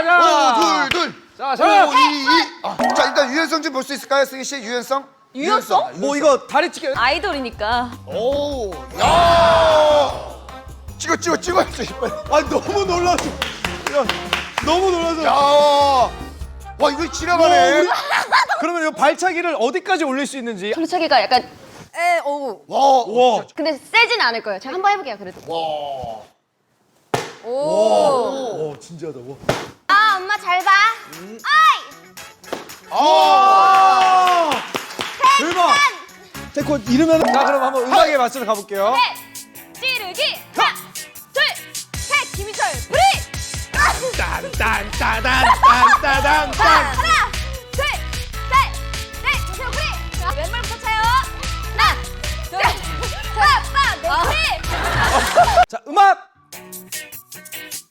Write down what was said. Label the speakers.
Speaker 1: 하나, 둘.
Speaker 2: 자, 자.
Speaker 1: 5, 2, 2. 자, 일단 유연성 좀 볼 수 있을까요, 승희 씨? 유연성?
Speaker 3: 유연성?
Speaker 2: 뭐 이거 다리찢기.
Speaker 3: 아이돌이니까.
Speaker 1: 오, 야. 찍어야지.
Speaker 2: 아 너무 놀라서. 야, 너무 놀라서.
Speaker 1: 야. 와, 이거 지나가네.
Speaker 2: 그러면 이 발차기를 어디까지 올릴 수 있는지.
Speaker 3: 돌차기가 약간 어우.
Speaker 2: 와.
Speaker 3: 근데 세진 않을 거예요. 제가 한번 해볼게요. 그래도.
Speaker 1: 와.
Speaker 3: 오.
Speaker 2: 진지하다. 와.
Speaker 3: 아 엄마 잘 봐. 아이.
Speaker 2: 아! 대박. 태권 이러면 자 그럼 한번 음악에 맞춰서 가볼게요.
Speaker 3: 찌르기. 하나, 둘, 셋. 김희철 브리.
Speaker 2: 딴딴따단.
Speaker 3: 하나, 둘, 셋, 넷. 김희철 브리. 자, 왼발부터 차요. 하나, 둘, 셋, 넷. 브리.
Speaker 2: 자 음악